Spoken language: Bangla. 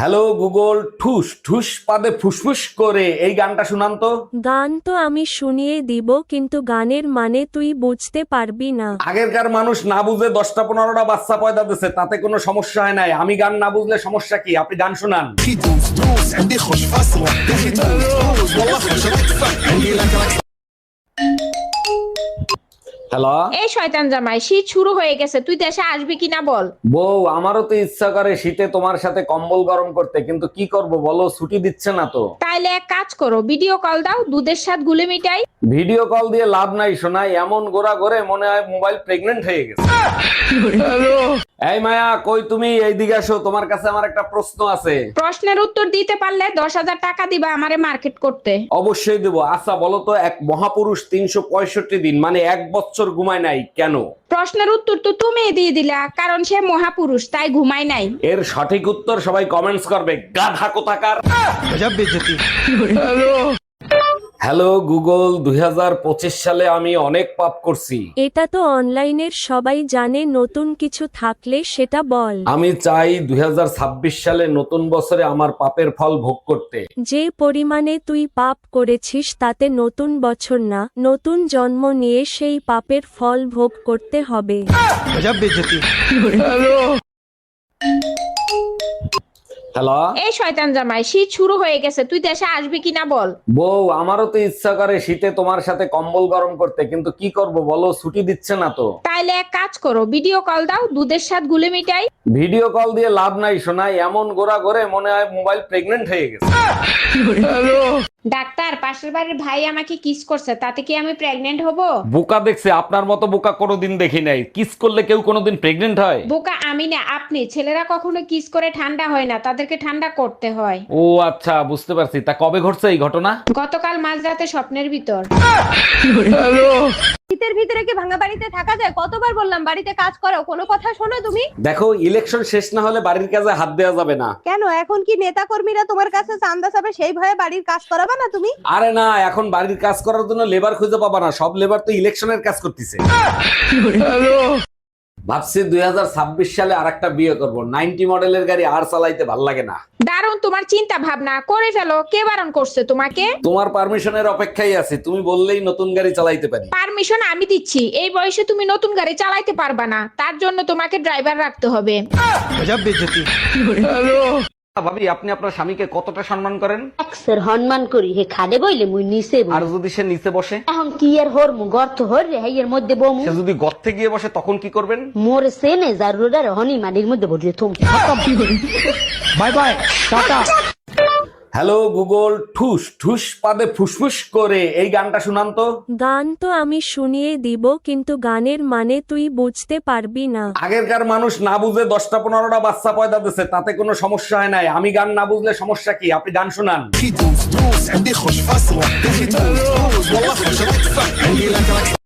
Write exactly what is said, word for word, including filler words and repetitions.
হ্যালো গুগল, ঠুস ঠুস পাদে ফুসফুস করে এই গানটা শুনান তো। গান তো আমি শুনিয়ে দিব, কিন্তু গানের মানে তুই বুঝতে পারবি না। আগেরকার মানুষ না বুঝে দশটা পনেরোটা বাচ্চা পয়দা দিচ্ছে, তাতে কোনো সমস্যা হয় নাই। আমি গান না বুঝলে সমস্যা কি? আপনি গান শুনান। دوس دوس عندي خوش فصلة دوس دوس والله خوش ادفع عندي لك لك হ্যালো এই শয়তান জামাই, শীত শুরু হয়ে গেছে, তুই দেশে আসবি কিনা বল। বউ, আমারও তো ইচ্ছা করে শীতে তোমার সাথে কম্বল গরম করতে, কিন্তু কি করব বলো, ছুটি দিচ্ছে না তো। তাইলে এক কাজ করো, ভিডিও কল দাও, দুধের সাথে গুলে মিটাই। ভিডিও কল দিয়ে লাভ নাই শোনাই, এমন গোড়া করে মনে হয় মোবাইল প্রেগনেন্ট হয়ে গেছে। এই মায়া, কই তুমি? এইদিকে আসো, তোমার কাছে আমার একটা প্রশ্ন আছে। প্রশ্নের উত্তর দিতে পারলে দশ হাজার টাকা দিবা আমারে মার্কেট করতে। অবশ্যই দেবো। আচ্ছা বলো তো, এক মহাপুরুষ তিনশো পঁয়ষট্টি দিন মানে এক বছর ঘুমায় নাই কেন? প্রশ্নের উত্তর তো তুমি দিয়ে দিলা, কারণ সে মহাপুরুষ, তাই ঘুমায় নাই। এর সঠিক উত্তর সবাই কমেন্টস করবে, গাধা কোথাকার। হ্যালো গুগল, দুই হাজার পঁচিশ সালে আমি অনেক পাপ করছি। এটা তো অনলাইনের সবাই জানে, নতুন কিছু থাকলে সেটা বল। আমি চাই দুই হাজার ছাব্বিশ সালে নতুন বছরে আমার পাপের ফল ভোগ করতে। যে পরিমাণে তুই পাপ করেছিস তাতে নতুন বছর না, নতুন জন্ম নিয়ে সেই পাপের ফল ভোগ করতে হবে। হ্যালো এই শয়তান জামাই, শীত শুরু হয়ে গেছে, তুই দেশে আসবি কিনা বল। বউ, আমারও তো ইচ্ছা করে শীতে তোমার সাথে কম্বল গরম করতে, কিন্তু কি করব বলো, ছুটি দিচ্ছে না তো। তাইলে এক কাজ করো, ভিডিও কল দাও, দুধের সাথে গুলে মিটাই। ভিডিও কল দিয়ে লাভ নাই শোনাই, এমন গোড়া করে মনে হয় মোবাইল প্রেগনেন্ট হয়ে গেছে। ডাক্তার, পাশের বাড়ির ভাই আমাকে কিস করছে, তাতে কি আমি প্রেগনেন্ট হব? বোকা দেখছে, আপনার মতো বোকা কোনোদিন দেখি নাই। কিস করলে কেউ কোনোদিন প্রেগনেন্ট হয়? বোকা আমি না, আপনি। ছেলেরা কখনো কিস করে ঠান্ডা হয় না, তাদেরকে ঠান্ডা করতে হয়। ও আচ্ছা, বুঝতে পারছি। তা কবে ঘটছে এই ঘটনা? গতকাল মাঝরাতে স্বপ্নের ভিতর। শীতের ভিতরে কি ভাঙা বাড়িতে থাকা যায়? কতবার বললাম বাড়িতে কাজ করো, কোনো কথা শোনো তুমি? দেখো, ইলেকশন শেষ না হলে বাড়ির কাজে হাত দেওয়া যাবে না। কেন, এখন কি নেতা কর্মীরা তোমার কাছে চান্দা চাবে, সেই ভয়ে বাড়ির কাজ করাবে না তুমি? আরে না, এখন বাড়ির কাজ করার জন্য লেবার খুঁজে পাবা না, সব লেবার তো ইলেকশনের কাজ করতেছে। ভাবছি দুই হাজার ছাব্বিশ সালে আরেকটা বিয়ে করব। নাইনটি মডেলের গাড়ি আর চালাইতে ভাল লাগে না। দারুণ তোমার চিন্তা ভাবনা, করে ফেলো। কে বারণ করছে তোমাকে? তোমার পারমিশনের অপেক্ষায় আছি, তুমি বললেই নতুন গাড়ি চালাইতে পারি। পারমিশন আমি দিচ্ছি। এই বয়সে তুমি নতুন গাড়ি চালাইতে পারবা না, তার জন্য তোমাকে ড্রাইভার রাখতে হবে। ভাবি, আপনি আপনার স্বামীকে কতটা সম্মান করেন? একসের হনমান করি হে খাদে বইলে মুই নিচে বই। আর যদি সে নিচে বসে? এখন কি আর হর মু গর্ত হর রে হেয়ের মধ্যে বমু। সে যদি গর্তে গিয়ে বসে তখন কি করবেন? মোর সেনে জারুরার হনি মানির মধ্যে বসে থুম। Bye bye, tata. Hello Google, ঠুস ঠুস পাদে ফুসফুস করে এই গানটা শুনান তো। গান তো আমি শুনিয়ে দিব, কিন্তু গানের মানে তুই বুঝতে পারবি না। আগেরকার মানুষ না বুঝে দশটা পনেরোটা বাচ্চা পয়দা দিচ্ছে, তাতে কোনো সমস্যা হয় নাই। আমি গান না বুঝলে সমস্যা কি? আপনি গান শুনান। دوس دوس عندي خوش فصلة دوس دوس والله خوش ادفع عندي لك لك